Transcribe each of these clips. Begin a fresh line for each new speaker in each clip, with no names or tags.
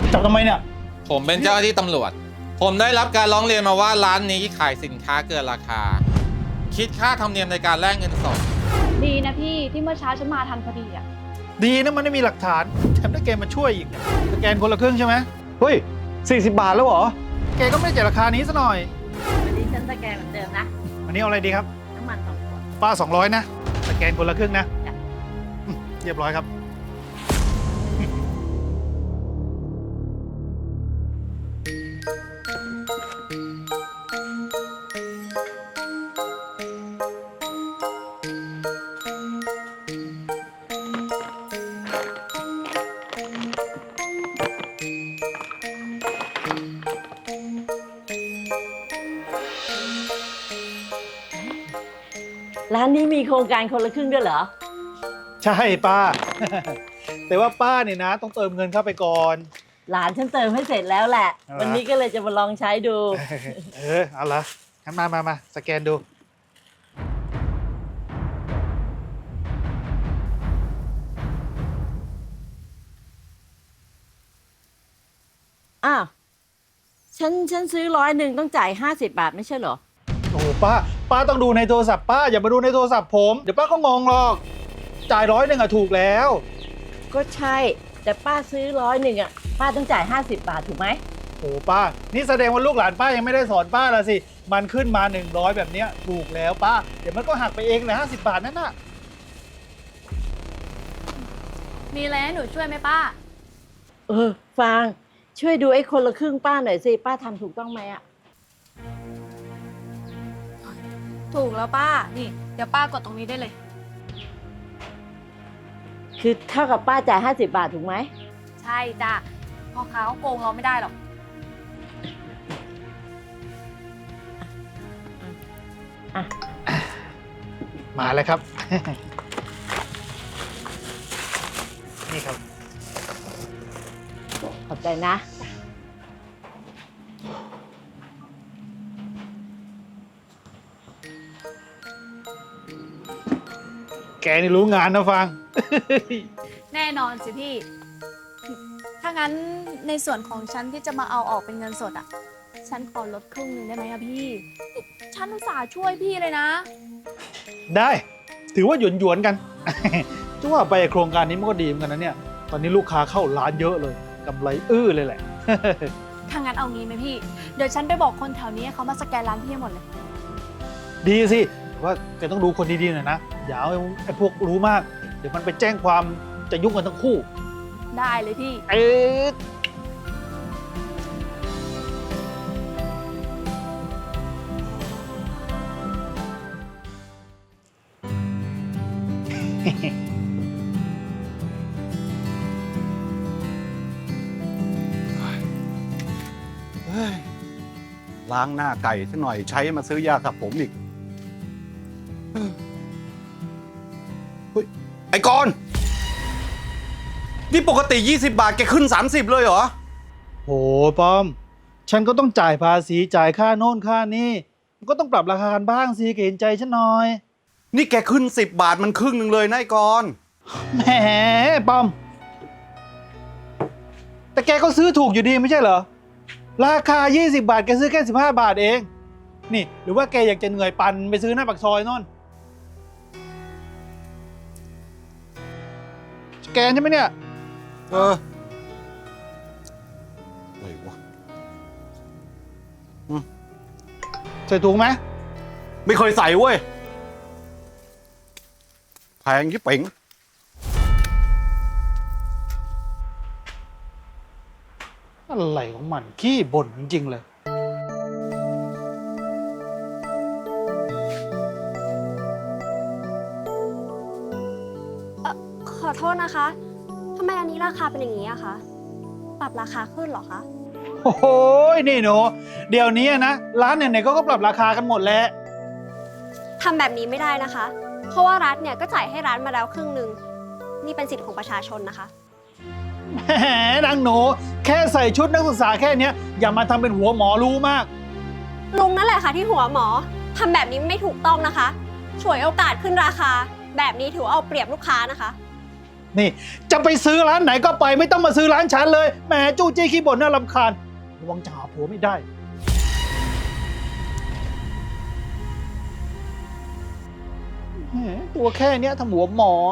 จับทำไมเนี่ย
ผมเป็นเจ้าหน้าที่ตำรวจผมได้รับการร้องเรียนมาว่าร้านนี้ขายสินค้าเกินราคาคิดค่าธรรมเนียมในการแลกเงินสด
ดีนะพี่ที่เมื่อเช้าฉันมาทันพอดีอ่ะ
ดีนะมันไม่มีหลักฐานแถมได้แกมาช่วยอีกสแกนคนละครึ่งใช่ไหม
เฮ้ย40 บาทแล้วเหรอ
แกก็ไม่ได้จ่ายราคานี้ซะหน่อย
วันนี้ฉันสแกนเหมือนเดิมนะ
วันนี้เอาอะไรดีครับ
น้ำมัน2 ขวด
ป้า200นะสแกนคนละครึ่งนะเรียบร้อยครับ
ร้านนี้มีโครงการคนละครึ่งด้วยเหรอ
ใช่ป้า แต่ว่าป้าเนี่ยนะต้องเติมเงินเข้าไปก่อน
หลานฉันเติมให้เสร็จแล้วแหละวันนี้ก็เลยจะมาลองใช้ดู
เอาละงั้นมาสแกนดู
อ้าวฉันซื้อ100ต้องจ่าย50 บาทไม่ใช่เหรอ
โอ้ป้าต้องดูในโทรศัพท์ป้าอย่ามาดูในโทรศัพท์ผมเดี๋ยวป้าก็งงหรอกจ่าย100อะถูกแล้ว
ก็ใช่แต่ป้าซื้อ100อะป้าต้องจ่าย50 บาทถูกไหม
โอ้ป้านี่แสดงว่าลูกหลานป้ายังไม่ได้สอนป้าละสิมันขึ้นมา100แบบเนี้ยถูกแล้วป้าเดี๋ยวมันก็หักไปเองเลย50 บาทนั่นน่ะ
มีอะไรให้หนูช่วยไหมป้า
ฟางช่วยดูไอ้คนละครึ่งป้าหน่อยสิป้าทำถูกต้องไหมอะ
ถูกแล้วป้านี่เดี๋ยวป้ากดตรงนี้ได้เลย
คือเท่ากับป้าจ่าย50 บาทถูกไหม
ใช่จ้ะพ่อค้าเขาโกงเราไม่ได้หรอก
มาเลยครับ นี่ครับ
ขอบใจนะ
แกนี่รู้งานนะฟัง
แน่นอนสิพี่ถ้างั้นในส่วนของฉันที่จะมาเอาออกเป็นเงินสดอ่ะฉันขอลดครึ่งหนึ่งได้ไหมอะพี่ฉันอุตส่าห์ช่วยพี่เลยนะ
ได้ถือว่าหยวนๆกัน จะว่าไปโครงการนี้มันก็ดีเหมือนกันนะเนี่ยตอนนี้ลูกค้าเข้าร้านเยอะเลยกำไรเลยแหละ
ถ้างั้นเอางี้ไหมพี่เดี๋ยวฉันไปบอกคนแถวนี้เขามาสแกนร้านพี่หมดเลย
ดีสิแต่ว่าแกต้องดูคนดีๆหน่อยนะอย่าเอาไอ้พวกรู้มากเดี๋ยวมันไปแจ้งความจะยุ่งกันทั้งคู่
ได้เลยพี่
ล้างหน้าไก่ซะหน่อยใช้มาซื้อยาขับผมอีกเฮ้ยไอ้กรณ์นี่ปกติ20 บาทแกขึ้น30เลยเหรอ
โหป้อมฉันก็ต้องจ่ายภาษีจ่ายค่าโน่นค่านี่มันก็ต้องปรับราคากันบ้างสิเห็นใจฉันหน่อย
นี่แกขึ้น10 บาทมันครึ่งหนึ่งเลยนะไอ้กรณ์
แหมป้อมแต่แกก็ซื้อถูกอยู่ดีไม่ใช่เหรอราคา20 บาทแกซื้อแค่15 บาทเองนี่หรือว่าแกอยากจะเหนื่อยปั่นไปซื้อหน้าปากซอยโน่นสแกนใช่ไหมเนี่ย
อะไรวะ
ใส่ถุงไหม
ไม่เคยใส่เว้ยแพงยิ่งเป๋ง
อะไรของมันขี้บ่นจริงๆเลย
ขอโทษนะคะทำไมอันนี้ราคาเป็นอย่างนี้อะคะปรับราคาขึ้นเหรอคะ
โอ้โหนี่หนูเดี๋ยวนี้นะร้านไหนๆก็ปรับราคากันหมดแล้ว
ทำแบบนี้ไม่ได้นะคะเพราะว่ารัฐเนี่ยก็จ่ายให้ร้านมาแล้วครึ่งหนึ่งนี่เป็นสิทธิ์ของประชาชนนะคะ
แหมนางหนูแค่ใส่ชุดนักศึกษาแค่นี้อย่ามาทำเป็นหัวหมอรู้มาก
ลุงนั่นแหละค่ะที่หัวหมอทำแบบนี้ไม่ถูกต้องนะคะฉวยโอกาสขึ้นราคาแบบนี้ถือเอาเปรียบลูกค้านะคะ
นี่จะไปซื้อร้านไหนก็ไปไม่ต้องมาซื้อร้านฉันเลยแหมจู้จี้ขี้บ่นน่ารำคาญระวังจะหาผัวไม่ได้แหมตัวแค่เนี้ยทำหัวหมอ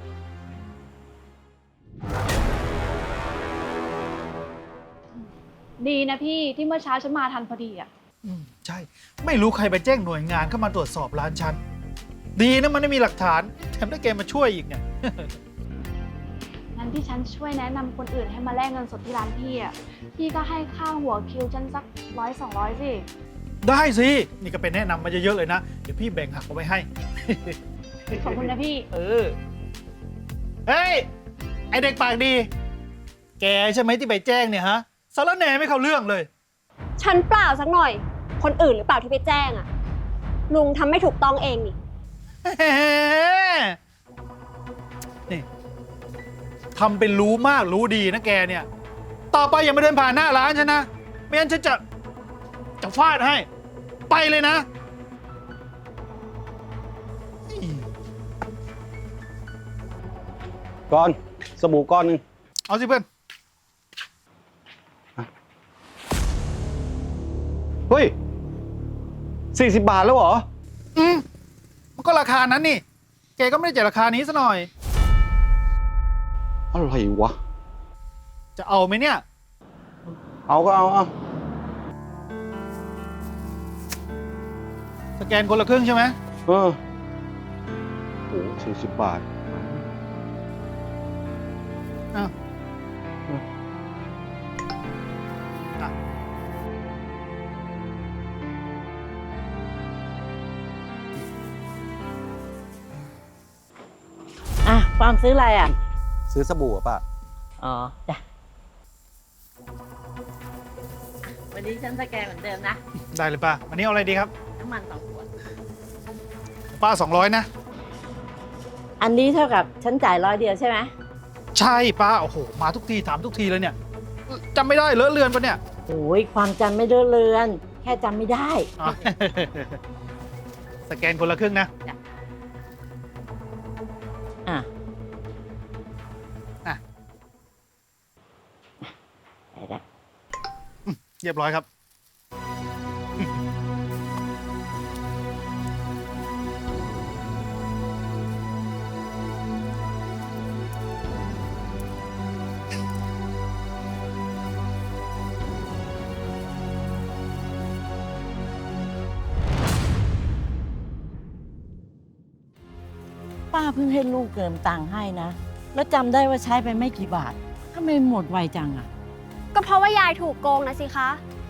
ดีนะพี่ที่เมื่อเช้าฉันมาทันพอดีอ่ะ
ใช่ ไม่รู้ใครไปแจ้งหน่วยงานเข้ามาตรวจสอบร้านฉัน ดีนะมันไม่มีหลักฐานแถมได้แกมาช่วยอีกเนี่ย
งั้นที่ฉันช่วยแนะนำคนอื่นให้มาแลกเงินสดที่ร้านพี่อ่ะ พี่ก็ให้ค่าหัวคิวฉันสัก100-200สิ
ได้สิ นี่ก็เป็นแนะนำมาเยอะๆเลยนะ เดี๋ยวพี่แบ่งหักเอาไว้ให้
ขอบคุณนะพี่
เออ เฮ้ย ไอเด็กปากดี แกใช่ไหมที่ไปแจ้งเนี่ยฮะสารแหน่ไม่เข้าเรื่องเลย
ฉันเปล่าสักหน่อย คนอื่นหรือเปล่าที่ไปแจ้งอะลุงทำไม่ถูกต้องเองนี่
นี่ทำเป็นรู้มากรู้ดีนะแกเนี่ย ต่อไปอย่ามาเดินผ่านหน้าร้านฉันนะ ไม่งั้นฉันจะฟาดให้ ไปเลยนะ
ก้อนสบู่ก้อนหนึง
เอาสิเพื่อน
เฮ้ย40 บาทแล้วเหรอ
มันก็ราคานั้นนี่ แกก็ไม่ได้จ่ายราคานี้ซะหน่อย
อะไรวะ
จะเอาไหมเนี่ย
เอาก็เอา
สแกนคนละครึ่งใช่ไหม
โอ้40 บาท
อ้าวอ่ะ
อ่ะความซื้ออะไรอ่ะ
ซื้อสบู่อะป่ะ
อ๋อจ้ะวันนี้ฉันสแกนเหมือนเดิมนะ
ได้เลยป้าวันนี้เอาอะไรดีครับ
น้ำมัน2 ขวด
ป้า200นะ
อันนี้เท่ากับฉันจ่าย100 เดียวใช่ไหม
ใช่ป้า โอ้โห มาทุกทีถามทุกทีเลยเนี่ยจำไม่ได้เลอะเลือนปะเนี่ย
โอ้ยความจำไม่เลอะเลือน แค่จำไม่ได้
อ๋อ สแกนคนละครึ่งนะ
อ่ะ
อ่ะ
ได้แล้ว
เรียบร้อยครับ
ป้าเพิ่งให้ลูกเติมตังค์ให้นะ แล้วจำได้ว่าใช้ไปไม่กี่บาททำไมหมดไวจังอ่ะ
ก็เพราะว่ายายถูกโกงนะสิคะ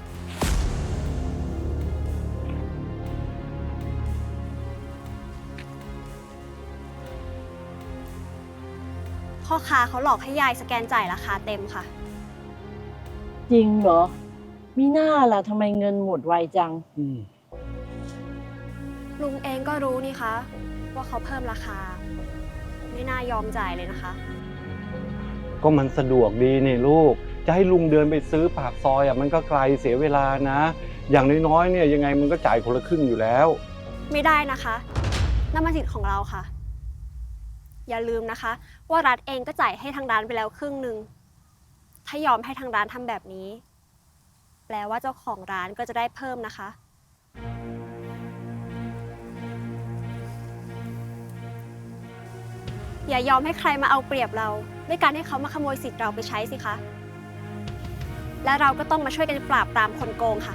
พ่อค้าเขาหลอกให้ยายสแกนจ่ายราคาเต็มค่ะ
จริงเหรอ มีหน้าล่ะทำไมเงินหมดไวจัง
ลุงเองก็รู้นี่คะ ว่าเขาเพิ่มราคา ไม่น่ายอมจ่ายเลยนะคะ
ก็มันสะดวกดีนี่ลูก จะให้ลุงเดินไปซื้อปากซอยอ่ะมันก็ไกลเสียเวลานะ อย่างน้อยๆเนี่ยยังไงมันก็จ่ายคนละครึ่งอยู่แล้ว
ไม่ได้นะคะนั่นมันสิทธิ์ของเราค่ะ อย่าลืมนะคะ ว่ารัฐเองก็จ่ายให้ทางร้านไปแล้วครึ่งหนึ่ง ถ้ายอมให้ทางร้านทำแบบนี้ แปลว่าเจ้าของร้านก็จะได้เพิ่มนะคะ อย่ายอมให้ใครมาเอาเปรียบเราด้วยการให้เขามาขโมยสิทธิ์เราไปใช้สิคะ และเราก็ต้องมาช่วยกันปราบปรามคนโกงค่ะ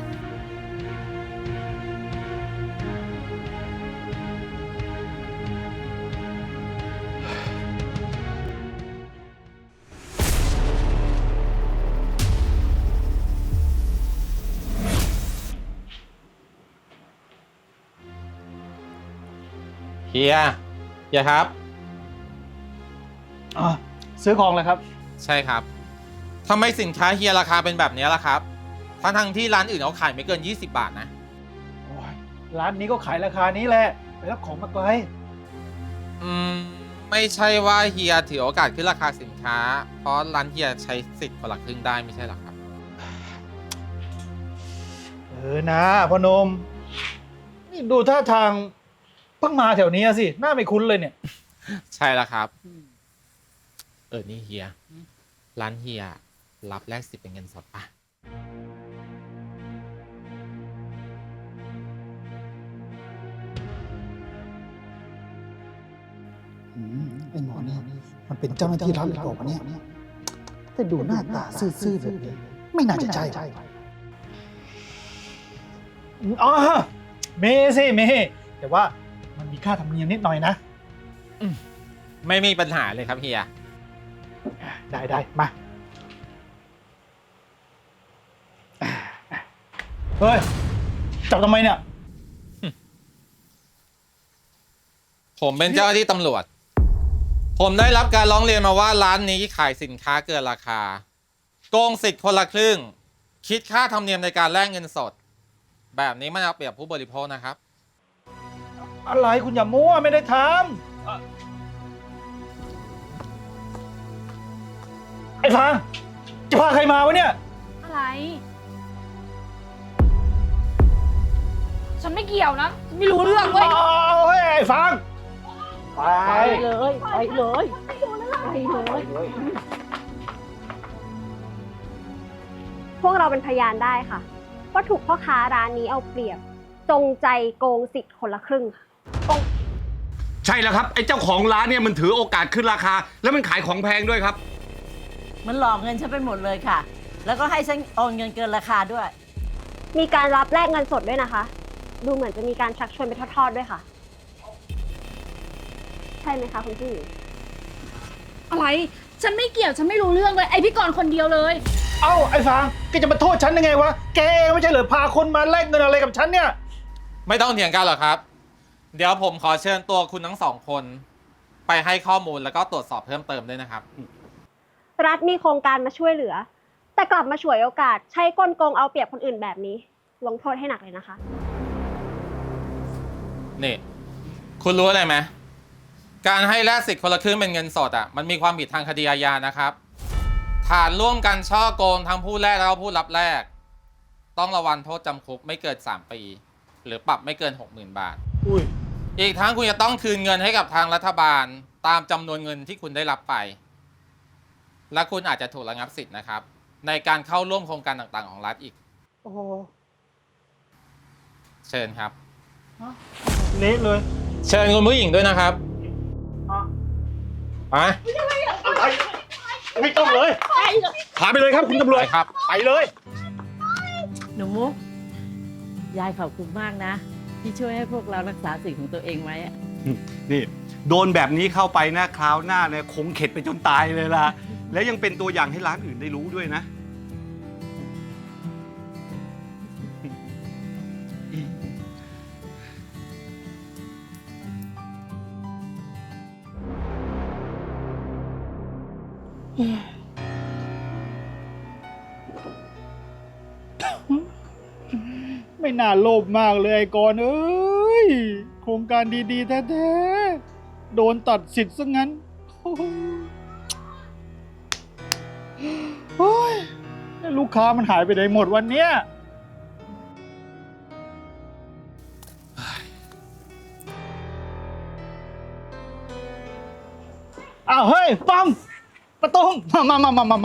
เฮียครับ
อ๋อ ซื้อของเลยครับ
ใช่ครับทำไมสินค้าเฮียราคาเป็นแบบนี้ล่ะครับทั้งที่ร้านอื่นเขาขายไม่เกิน 20 บาทนะ
โอ้ยร้านนี้ก็ขายราคานี้แหละ ไปรับของมาไกล
ไม่ใช่ว่าเฮียถือโอกาสขึ้นราคาสินค้า เพราะร้านเฮียใช้สิทธิ์คนละครึ่งได้ไม่ใช่หรอครับ
นะพ่อหนม นี่ดูท่าทางเพิ่งมาแถวนี้สิ หน้าไม่คุ้นเลยเนี่ย
ใช่แล้วครับนี่เฮีย ร้านเฮียรับแลกสิทธิ์เป็นเงินสดปะ
ไอ้หมอนี่มันเป็นเจ้าหน้าที่รัฐหรือเปล่าวะเนี่ยแต่ดูหน้าตาซื่อๆแบบนี้ไม่น่าจะใช่อ๋อเมสิเมแต่ว่ามันมีค่าธรรมเนียมนิดหน่อยนะ
ไม่มีปัญหาเลยครับเฮีย
ได้มาเฮ้ยจับทำไมเนี่ย
ผมเป็นเจ้าหน้าที่ตำรวจ ผมได้รับการร้องเรียนมาว่าร้านนี้ขายสินค้าเกินราคา โกงสิทธิ์คนละครึ่ง คิดค่าธรรมเนียมในการแลกเงินสด แบบนี้มันเอาเปรียบผู้บริโภคนะครับ
อะไรคุณอย่ามั่วไม่ได้ทำไอ้ฟางจะพาใครมาวะเนี่ย
อะไร ฉันไม่เกี่ยวนะฉันไม่รู้เรื่องเว้ย
เอาเฮ้ยไอ้ฟางไป
ไปเลยไปเลยไปเลย
พวกเราเป็นพยานได้ค่ะ ว่าถูกพ่อค้าร้านนี้เอาเปรียบ จงใจโกงสิทธิ์คนละครึ่งค่ะ
ใช่แล้วครับไอ้เจ้าของร้านเนี่ยมันถือโอกาสขึ้นราคา แล้วมันขายของแพงด้วยครับ
มันหลอกเงินฉันไปหมดเลยค่ะ แล้วก็ให้ฉันโอนเงินเกินราคาด้วย
มีการรับแลกเงินสดด้วยนะคะ ดูเหมือนจะมีการชักชวนไปทอดๆด้วยค่ะ ใช่ไหมคะคุณผู้หญิง
อะไร ฉันไม่เกี่ยว ฉันไม่รู้เรื่องเลย ไอพี่กรณ์คนเดียวเลย
เอ้าไอ้ฟางแกจะมาโทษฉันยังไงวะแกเองไม่ใช่เหรอพาคนมาแลกเงินอะไรกับฉันเนี่ย
ไม่ต้องเถียงกันหรอกครับ เดี๋ยวผมขอเชิญตัวคุณทั้งสองคน ไปให้ข้อมูลแล้วก็ตรวจสอบเพิ่มเติมด้วยนะครับ
รัฐมีโครงการมาช่วยเหลือ แต่กลับมาฉวยโอกาสใช้กลโกงเอาเปรียบคนอื่นแบบนี้ ลงโทษให้หนักเลยนะคะ
นี่ คุณรู้อะไรไหม การให้แลกสิทธิ์คนละครึ่งเป็นเงินสดอ่ะ มันมีความผิดทางคดีอาญานะครับ ฐานร่วมกันช่อโกงทั้งผู้แลกแล้วก็ผู้รับแลก ต้องระวังโทษจำคุกไม่เกิน 3 ปี หรือปรับไม่เกิน 60,000 บาท
อุ้ย
อีกทั้งคุณจะต้องคืนเงินให้กับทางรัฐบาล ตามจำนวนเงินที่คุณได้รับไป และคุณอาจจะถูกระงับสิทธิ์นะครับ ในการเข้าร่วมโครงการต่างๆของรัฐอีก
โอ้โห
เชิญครับ
เละเลย
เชิญคุณผู้หญิงด้วยนะครับไป
ไม่ต้องเลยพาไปเลยครับคุณตำรวจ
ไปครับ
ไปเลย
หนูมุกยายขอบคุณมากนะ ที่ช่วยให้พวกเรารักษาสิ่งของตัวเองไว้อะ
นี่โดนแบบนี้เข้าไปนะคราวหน้าเนี่ยคงเข็ดไปจนตายเลยล่ะ แล้วยังเป็นตัวอย่างให้ร้านอื่นได้รู้ด้วยนะ
ไม่น่าโลภมากเลยไอ้กรณ์เอ้ยโครงการดีๆแท้ๆโดนตัดสิทธิ์ซะงั้นโอ้ยแล้วลูกค้ามันหายไปไหนหมดวันเนี้ยอ้าวเฮ้ยป้อมประตงมา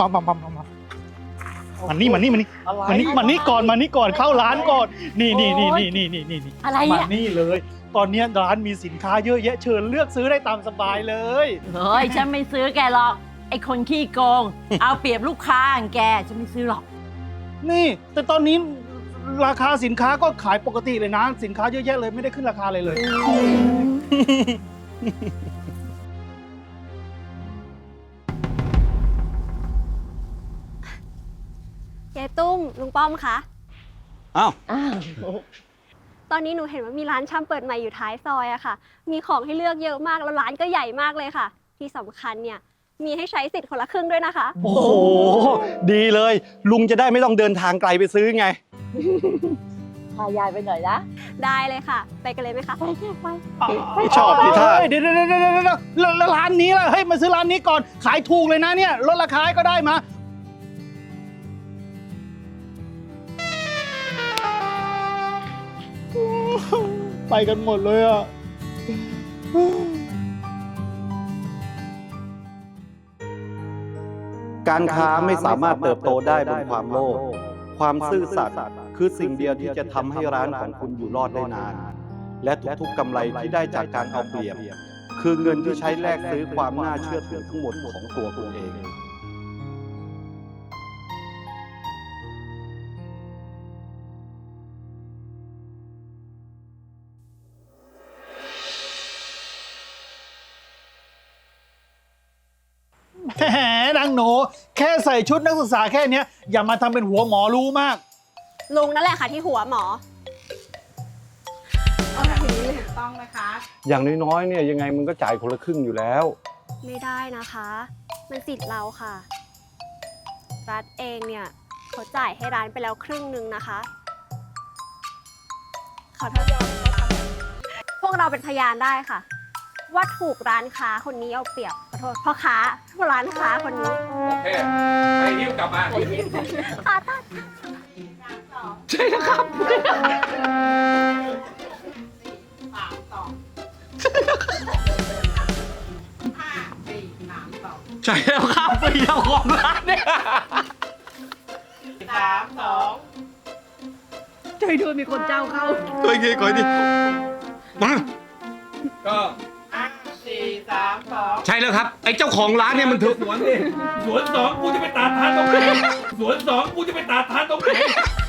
มานี่ก่อนเข้าร้านก่อนนี่
อะไร
มา
อ่ะ
นี่เลย ตอนนี้ร้านมีสินค้าเยอะแยะเชิญเลือกซื้อได้ตามสบายเลย
เฮ้ยฉันไม่ซื้อแกหรอก ไอ้คนขี้โกง เอาเปรียบลูกค้าอย่างแกฉันไม่ซื้อหรอก
นี่ แต่ตอนนี้ราคาสินค้าก็ขายปกติเลยนะ สินค้าเยอะแยะเลยไม่ได้ขึ้นราคาเลย
เจ๊ตุ้มลุงป้อมคะ
อ้าว
อ้าว
ตอนนี้หนูเห็นว่ามีร้านชำเปิดใหม่อยู่ท้ายซอยอะค่ะ มีของให้เลือกเยอะมากแล้วร้านก็ใหญ่มากเลยค่ะ ที่สำคัญเนี่ยมีให้ใช้สิทธิ์คนละครึ่งด้วยนะคะ
โอ้โห ดีเลย ลุงจะได้ไม่ต้องเดินทางไกลไปซื้อไง
พายายไปหน่อยนะ
ได้เลยค่ะ ไปกันเลยไหมคะ
ไปแค่ไป
ชอบที่ท่า
เดี๋ยวแล้วร้านนี้ล่ะเฮ้ยมาซื้อร้านนี้ก่อนขายถูกเลยนะเนี่ยลดราคาให้ก็ได้มาไปกันหมดเลยอ่ะ
การค้าไม่สามารถเติบโตได้บนความโลภความซื่อสัตย์คือสิ่งเดียวที่จะทำให้ร้านของคุณอยู่รอดได้นาน และทุกๆกำไรที่ได้จากการเอาเปรียบ คือเงินที่ใช้แลกซื้อความน่าเชื่อถือทั้งหมดของตัวคุณเอง
แหมนางหนูแค่ใส่ชุดนักศึกษาแค่เนี้ยอย่ามาทำเป็นหัวหมอรู้มาก
ลุงนั่นแหละค่ะที่หัวหมอ
อย่างน้อยๆเนี่ยยังไงมันก็จ่ายคนละครึ่งอยู่แล้ว
ไม่ได้นะคะ มันสิทธิ์เราค่ะ รัฐเองเนี่ยเขาจ่ายให้ร้านไปแล้วครึ่งหนึ่งนะคะขอโทษพวกเราเป็นพยานได้ค่ะ ว่าถูกร้านค้าคนนี้เอาเปรียบขอโทษพ่อค้าร้านค้าคนนี้
โอเคไปยิ้วกลับมา
ค่ะท่าน
ใช่แล้วครับ ใช่แล้วครับเป็นเจ้าของร้านเนี่ย
ช่วยด้วยมีคนเจ้าเข้า
คอยดีคอยดีมา
ก็
ใช่แล้วครับ ไอ้เจ้าของร้านเนี่ยมันถือ
สวนดิสวนสองกูจะไปตัดทานตรงไหนสวนสองกูจะไปตัดทานตรงไหน